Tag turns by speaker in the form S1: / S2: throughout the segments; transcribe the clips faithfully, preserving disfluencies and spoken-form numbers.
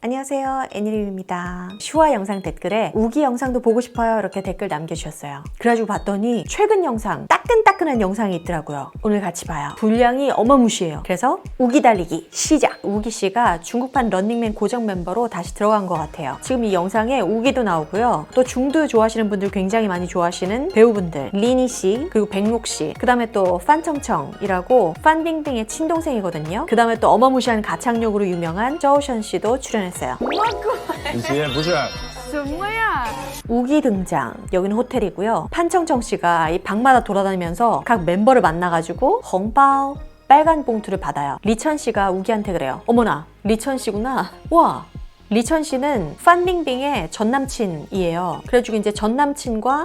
S1: 안녕하세요, 애니림입니다. 슈아 영상 댓글에 우기 영상도 보고 싶어요 이렇게 댓글 남겨주셨어요. 그래가지고 봤더니 최근 영상 따끈따끈한 영상이 있더라고요. 오늘 같이 봐요. 분량이 어마무시해요. 그래서 우기 달리기 시작! 우기씨가 중국판 런닝맨 고정 멤버로 다시 들어간 것 같아요. 지금 이 영상에 우기도 나오고요. 또 중두 좋아하시는 분들 굉장히 많이 좋아하시는 배우분들 리니씨 그리고 백록씨 그 다음에 또 판청청이라고 판빙빙의 친동생이거든요. 그 다음에 또 어마무시한 가창력으로 유명한 저우션씨도 출연했어요.
S2: 以及不是
S1: 우기 등장. 여기는 호텔이고요. 판청청씨가 이 방마다 돌아다니면서 각 멤버를 만나가지고 헝바오 빨간 봉투를 받아요. 리천씨가 우기한테 그래요. 어머나 리천씨구나. 와, 리천씨는 판빙빙의 전남친이에요. 그래가지고 이제 전남친과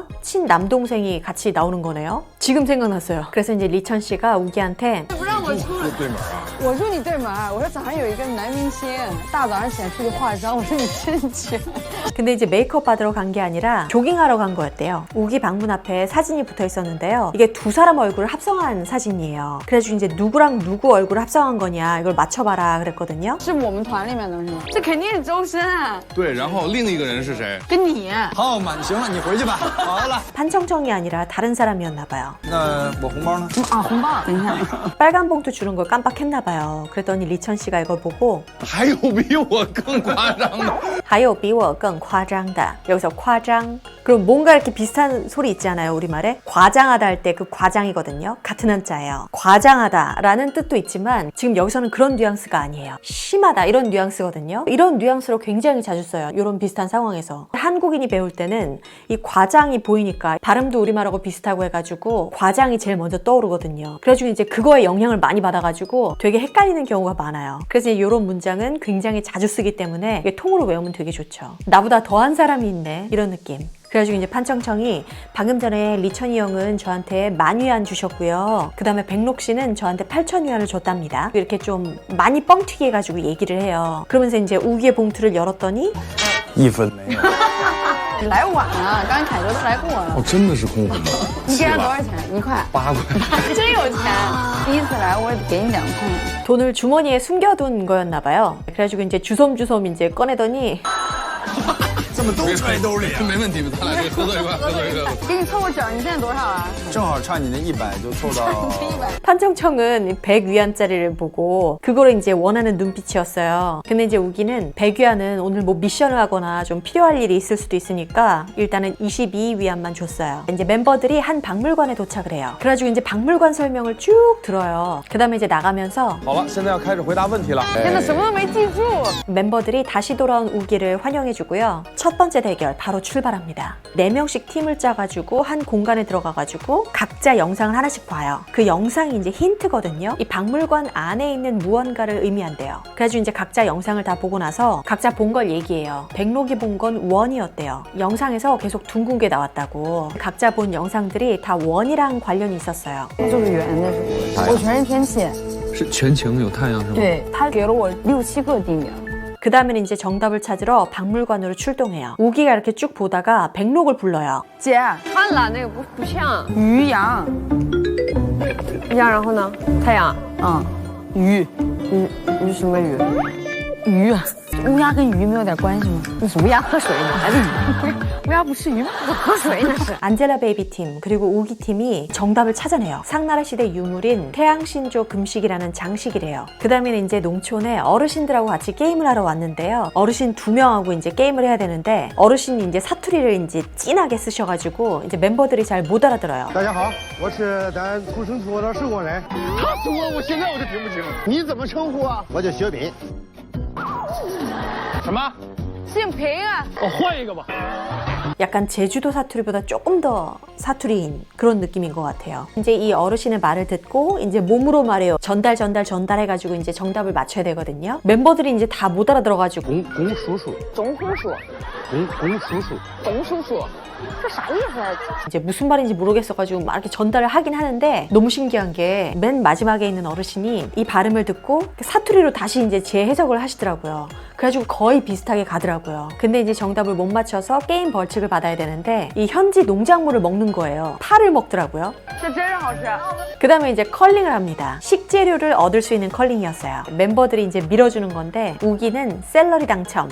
S1: 친남동생이 같이 나오는 거네요. 지금 생각났어요. 그래서 이제 리천씨가 우기한테
S2: 对对门啊？
S3: 我住你对门儿，我说早上有一个男明星，大早上起来出去化妆，我说你真绝。
S1: 근데 이제 메이크업 받으러 간 게 아니라 조깅하러 간 거였대요. 우기 방문 앞에 사진이 붙어 있었는데요. 이게 두 사람 얼굴을 합성한 사진이에요. 그래가지고 이제 누구랑 누구 얼굴을 합성한 거냐 이걸 맞춰봐라 그랬거든요.
S3: 是我们团里面的是吗？这肯定是周深啊，
S2: 对，然后另一个人是谁？
S3: 跟你。
S4: 好满，行了，你回去吧。好了，
S1: 판청청이 아니라 다른 사람이었나 봐요.
S4: 那我红包呢？
S3: 啊，红包，等一下。
S1: 빨간 봉투 주는 걸 깜빡했나 봐요. 그랬더니 리천 씨가 이걸 보고
S2: 还有比我更夸张的？
S1: 하요 비워 更과장다. 여기서 과장. 그럼 뭔가 이렇게 비슷한 소리 있지 않아요, 우리말에? 과장하다 할 때 그 과장이거든요. 같은 한자예요. 과장하다라는 뜻도 있지만 지금 여기서는 그런 뉘앙스가 아니에요. 심하다 이런 뉘앙스거든요. 이런 뉘앙스로 굉장히 자주 써요. 이런 비슷한 상황에서. 한국인이 배울 때는 이 과장이 보이니까 발음도 우리말하고 비슷하고 해가지고 과장이 제일 먼저 떠오르거든요. 그래가지고 이제 그거에 영향을 많이 받아가지고 되게 헷갈리는 경우가 많아요. 그래서 이런 문장은 굉장히 자주 쓰기 때문에 이게 통으로 외우면 되게 좋죠. 나보다 더한 사람이 있네 이런 느낌. 그래가지고 이제 판청청이 방금 전에 리천이 형은 저한테 만 위안 주셨고요. 그 다음에 백록 씨는 저한테 팔천 위안을 줬답니다. 이렇게 좀 많이 뻥튀기 해가지고 얘기를 해요. 그러면서 이제 우기의 봉투를 열었더니
S4: 一分没有。
S3: 你来晚了，刚才凯哥都来过了。
S2: 哦，真的是空红包，
S3: 你给他多少钱？一块。
S2: 八块。
S3: 真有钱！第一次来我也给你两块。
S1: 돈을 주머니에 숨겨둔 거였나 봐요. 그래가지고 이제 주섬주섬 이제 꺼내더니
S4: 这么都揣兜里啊？
S2: 没问题，咱俩可以合作一块，合作一块。
S3: 给你凑个整，你现在多少啊？
S4: 正好差你那一百就凑到。
S3: 一百。
S1: 판청청은 백 위안짜리를 보고 그거를 이제 원하는 눈빛이었어요. 근데 이제 우기는 백 위안은 오늘 뭐 미션을 하거나 좀 필요할 일이 있을 수도 있으니까 일단은 이십이 위안만 줬어요. 이제 멤버들이 한 박물관에 도착을 해요. 그래가지고 이제 박물관 설명을 쭉 들어요. 그 다음에 이제 나가면서
S4: 好了，现在要开始回答问题了。
S3: 真的什么都没记住。
S1: 멤버들이 다시 돌아온 우기를 환영해주고요. 첫 번째 대결 바로 출발합니다. 네 명씩 팀을 짜가지고 한 공간에 들어가가지고 각자 영상을 하나씩 봐요. 그 영상이 이제 힌트거든요. 이 박물관 안에 있는 무언가를 의미한대요. 그래가지고 이제 각자 영상을 다 보고 나서 각자 본 걸 얘기해요. 백록이 본 건 원이었대요. 영상에서 계속 둥근 게 나왔다고. 각자 본 영상들이 다 원이랑 관련이 있었어요.
S3: 就是圆的是不是？我全是天气。
S2: 是全晴有太阳是吗？
S3: 对他给了我六七个地名。
S1: 그 다음에는 이제 정답을 찾으러 박물관으로 출동해요. 우기가 이렇게 쭉 보다가 백록을 불러요.
S3: 姐，看了那个不不像鱼羊，羊然后呢？太阳，嗯，鱼，鱼鱼什么鱼？鱼，乌鸦跟鱼没有点关系吗？那是乌鸦喝水哪里鱼？乌鸦不吃鱼吗？我喝水那是。
S1: 안젤라 베이비 팀 그리고 우기 팀이 정답을 찾아내요. 상나라 시대 유물인 태양신조 금식이라는 장식이래요. 그 다음에는 이제 농촌에 어르신들하고 같이 게임을 하러 왔는데요. 어르신 두 명하고 이제 게임을 해야 되는데 어르신이 이제 사투리를 이제 진하게 쓰셔가지고 이제 멤버들이 잘 못 알아들어요.
S5: 大家好，我是咱土生土长的寿光人。他说我，我现在我就听不清。你怎么称呼啊？我叫雪敏。
S2: 什么？
S3: 姓平啊。
S2: 我换一个吧。
S1: 약간 제주도 사투리보다 조금 더 사투리인 그런 느낌인 것 같아요. 이제 이 어르신의 말을 듣고 이제 몸으로 말해요. 전달 전달 전달해가지고 이제 정답을 맞춰야 되거든요. 멤버들이 이제 다 못 알아들어가지고
S5: 龚龚叔叔，
S3: 总叔叔，
S5: 龚龚叔叔，
S3: 董叔叔，这啥意思啊？
S1: 이제 무슨 말인지 모르겠어가지고 막 이렇게 전달을 하긴 하는데 너무 신기한 게 맨 마지막에 있는 어르신이 이 발음을 듣고 사투리로 다시 이제 재해석을 하시더라고요. 그래가지고 거의 비슷하게 가더라고요. 근데 이제 정답을 못 맞춰서 게임 벌칙을 음식을 받아야 되는데 이 현지 농작물을 먹는 거예요. 파를 먹더라고요.
S3: 这真是好吃。
S1: 그 다음에 이제 컬링을 합니다. 식재료를 얻을 수 있는 컬링이었어요. 멤버들이 이제 밀어주는 건데 우기는 샐러리 당첨.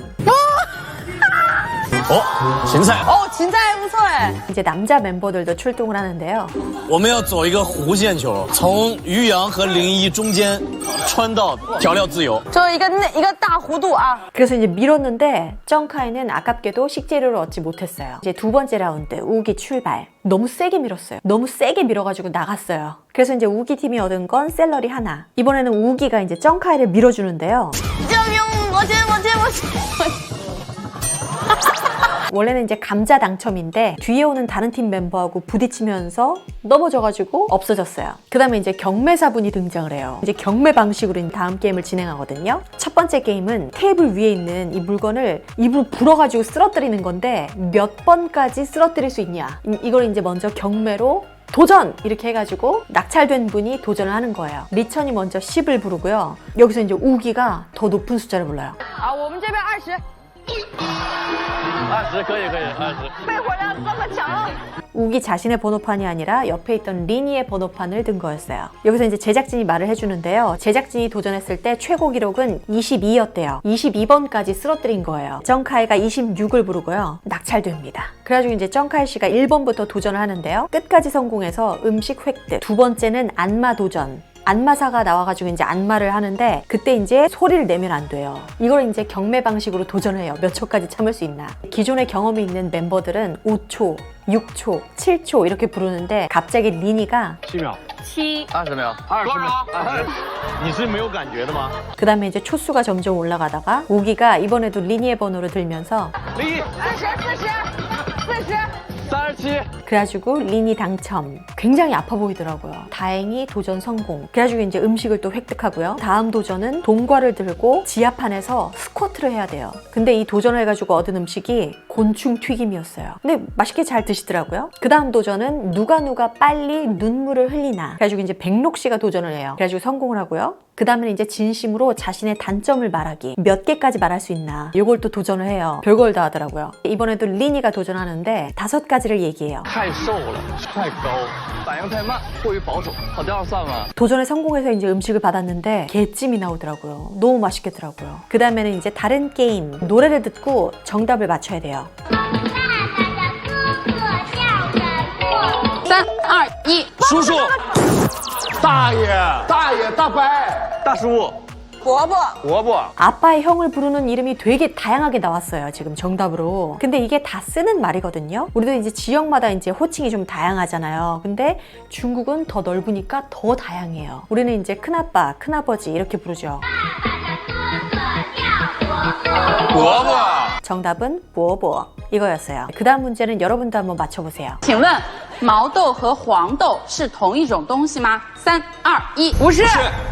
S6: 哦，芹菜，
S3: 哦，芹菜还不错哎。
S1: 이제 남자 멤버들도 출동을 하는데요.
S6: 我们要走一个弧线球，从于洋和零一中间穿到调料自由。
S3: 就一个那一个大弧度啊。
S1: 그래서 이제 밀었는데 정카이는 아깝게도 식재료를 얻지 못했어요. 이제 두 번째 라운드 우기 출발. 너무 세게 밀었어요. 너무 세게 밀어가지고 나갔어요. 그래서 이제 우기 팀이 얻은 건 샐러리 하나. 이번에는 우기가 이제 정카이를 밀어주는데요.
S3: 救命！我接我接我接。
S1: 원래는 이제 감자 당첨인데 뒤에 오는 다른 팀 멤버하고 부딪히면서 넘어져가지고 없어졌어요. 그 다음에 이제 경매사분이 등장을 해요. 이제 경매 방식으로 다음 게임을 진행하거든요. 첫 번째 게임은 테이블 위에 있는 이 물건을 입으로 불어가지고 쓰러뜨리는 건데 몇 번까지 쓰러뜨릴 수 있냐. 이- 이걸 이제 먼저 경매로 도전! 이렇게 해가지고 낙찰된 분이 도전을 하는 거예요. 리천이 먼저 십을 부르고요. 여기서 이제 우기가 더 높은 숫자를 불러요.
S3: 啊，我们这边二十。
S6: 二十可以可以，二十。
S3: 肺活量这么强。
S1: 우기 자신의 번호판이 아니라 옆에 있던 리니의 번호판을 든 거였어요. 여기서 이제 제작진이 말을 해주는데요. 제작진이 도전했을 때 최고 기록은 이십이였대요. 이십이 번까지 쓰러뜨린 거예요. 정카이가 이십육을 부르고요. 낙찰됩니다. 그래가지고 이제 정카이 씨가 일 번부터 도전을 하는데요. 끝까지 성공해서 음식 획득. 두 번째는 안마 도전. 안마사가 나와가지고 이제 안마를 하는데 그때 이제 소리를 내면 안 돼요. 이걸 이제 경매 방식으로 도전을 해요. 몇 초까지 참을 수 있나. 기존에 경험이 있는 멤버들은 오 초, 육 초, 칠 초 이렇게 부르는데 갑자기 리니가
S4: 七秒，
S3: 七。
S6: 二十秒，
S4: 二十秒，二十。你是没有感觉的吗？
S1: 그 다음에 이제 초수가 점점 올라가다가 우기가 이번에도 리니의 번호를 들면서
S4: 零一，
S3: 四十四十四十。
S4: 三十七。
S1: 그래가지고 리니 당첨. 굉장히 아파 보이더라고요. 다행히 도전 성공. 그래가지고 이제 음식을 또 획득하고요. 다음 도전은 동과를 들고 지하판에서 스쿼트를 해야 돼요. 근데 이 도전을 해가지고 얻은 음식이 곤충 튀김이었어요. 근데 맛있게 잘 드시더라고요. 그 다음 도전은 누가 누가 빨리 눈물을 흘리나. 그래가지고 이제 백록 씨가 도전을 해요. 그래가지고 성공을 하고요. 그 다음에는 이제 진심으로 자신의 단점을 말하기. 몇 개까지 말할 수 있나. 요걸 또 도전을 해요. 별걸 다 하더라고요. 이번에도 리니가 도전하는데 다섯 가지를 얘기해요.
S6: 太瘦了，太高，反应太慢，过于保守，跑第二算吗？
S1: 도전에 성공해서 이제 음식을 받았는데 게찜이 나오더라고요. 너무 맛있겠더라고요. 그 다음에는 이제 다른 게임. 노래를 듣고 정답을 맞춰야 돼요.
S3: 三二一，
S6: 叔叔，
S4: 大爷，大爷，大伯，大叔，
S3: 伯伯。
S4: 伯伯。
S1: 아빠의 형을 부르는 이름이 되게 다양하게 나왔어요. 지금 정답으로. 근데 이게 다 쓰는 말이거든요. 우리도 이제 지역마다 이제 호칭이 좀 다양하잖아요. 근데 중국은 더 넓으니까 더 다양해요. 우리는 이제 큰아빠, 큰아버지 이렇게 부르죠.
S6: 伯伯，
S1: 정답은 보보 이거였어요. 그 다음 문제는 여러분도 한번 맞춰보세요.
S7: 请问毛豆和黄豆是同一种东西吗？三二一，不是。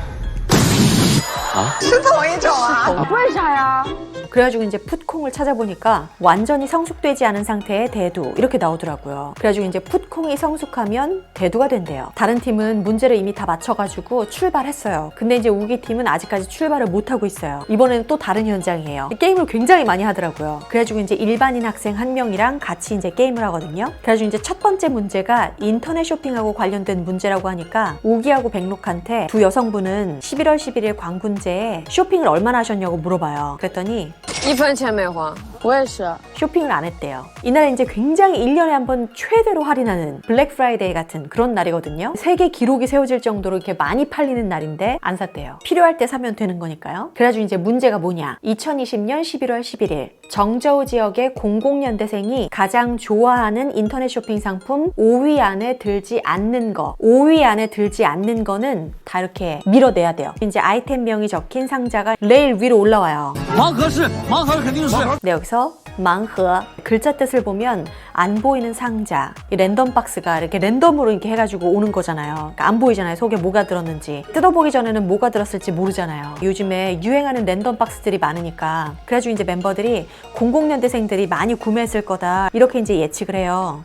S3: 为啥呀？
S1: 그래가지고 이제 풋콩을 찾아보니까 완전히 성숙되지 않은 상태의 대두 이렇게 나오더라고요. 그래가지고 이제 풋콩이 성숙하면 대두가 된대요. 다른 팀은 문제를 이미 다 맞춰가지고 출발했어요. 근데 이제 우기 팀은 아직까지 출발을 못하고 있어요. 이번에는 또 다른 현장이에요. 게임을 굉장히 많이 하더라고요. 그래가지고 이제 일반인 학생 한 명이랑 같이 이제 게임을 하거든요. 그래가지고 이제 첫 번째 문제가 인터넷 쇼핑하고 관련된 문제라고 하니까 우기하고 백록한테 두 여성분은 십일월 십일일 광군제에 쇼핑을 얼마나 하셨냐고 물어봐요. 그랬더니
S3: 一分钱没花。我也是。
S1: 쇼핑을 안 했대요. 이날은 이제 굉장히 일 년에 한 번 최대로 할인하는 블랙 프라이데이 같은 그런 날이거든요. 세계 기록이 세워질 정도로 이렇게 많이 팔리는 날인데 안 샀대요. 필요할 때 사면 되는 거니까요. 그래가지고 이제 문제가 뭐냐. 이천이십년 십일월 십일일 정저우 지역의 공공연대생이 가장 좋아하는 인터넷 쇼핑 상품 오 위 안에 들지 않는 거. 오 위 안에 들지 않는 거는 다 이렇게 밀어내야 돼요. 이제 아이템명이 적힌 상자가 레일 위로 올라와요.
S6: 盲盒是，盲盒肯定是。
S1: 네, 여기서 망허 글자 뜻을 보면 안 보이는 상자, 이 랜덤 박스가 이렇게 랜덤으로 이렇게 해가지고 오는 거잖아요. 그러니까 안 보이잖아요. 속에 뭐가 들었는지. 뜯어보기 전에는 뭐가 들었을지 모르잖아요. 요즘에 유행하는 랜덤 박스들이 많으니까. 그래가지고 이제 멤버들이 공공연대생들이 많이 구매했을 거다 이렇게 이제 예측을 해요.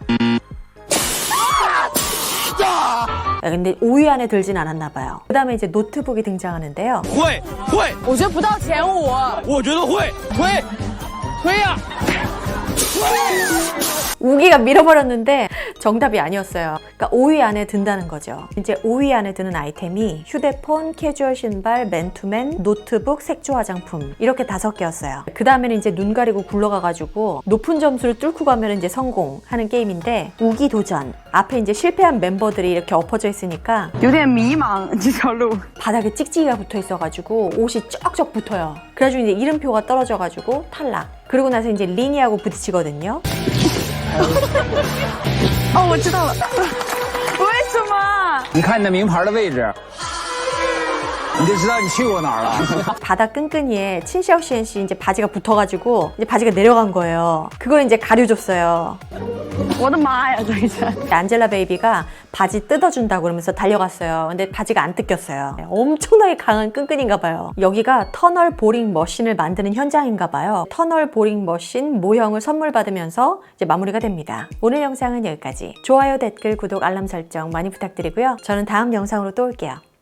S1: 근데 오 위 안에 들진 않았나 봐요. 그 다음에 이제 노트북이 등장하는데요.
S6: 会会，
S3: 我觉得不到前五。
S6: 我觉得会，推推呀、
S1: 우기가 밀어버렸는데 정답이 아니었어요. 그러니까 오 위 안에 든다는 거죠. 이제 오 위 안에 드는 아이템이 휴대폰, 캐주얼 신발, 맨투맨, 노트북, 색조 화장품 이렇게 다섯 개였어요. 그 다음에는 이제 눈 가리고 굴러가가지고 높은 점수를 뚫고 가면 이제 성공하는 게임인데 우기 도전. 앞에 이제 실패한 멤버들이 이렇게 엎어져 있으니까
S3: 有点迷茫这条路。
S1: 바닥에 찍찍이가 붙어 있어가지고 옷이 쩍쩍 붙어요. 그래가지고 이제 이름표가 떨어져가지고 탈락. 그러고 나서 이제 리니하고 부딪히거든요.
S3: 哦，我知道了，为什么？
S8: 你看你的名牌的位置，你就知道你去过哪儿了。
S1: 바닥 끈끈이에 친샤오시엔씨 이제 바지가 붙어가지고 이제 바지가 내려간 거예요. 그걸 이제 가려줬어요.
S3: 我的妈呀，这一下！
S1: 안젤라 베이비가 바지 뜯어준다고 그러면서 달려갔어요. 근데 바지가 안 뜯겼어요. 엄청나게 강한 끈끈인가 봐요. 여기가 터널 보링 머신을 만드는 현장인가 봐요. 터널 보링 머신 모형을 선물 받으면서 이제 마무리가 됩니다. 오늘 영상은 여기까지. 좋아요, 댓글, 구독, 알람 설정 많이 부탁드리고요. 저는 다음 영상으로 또 올게요.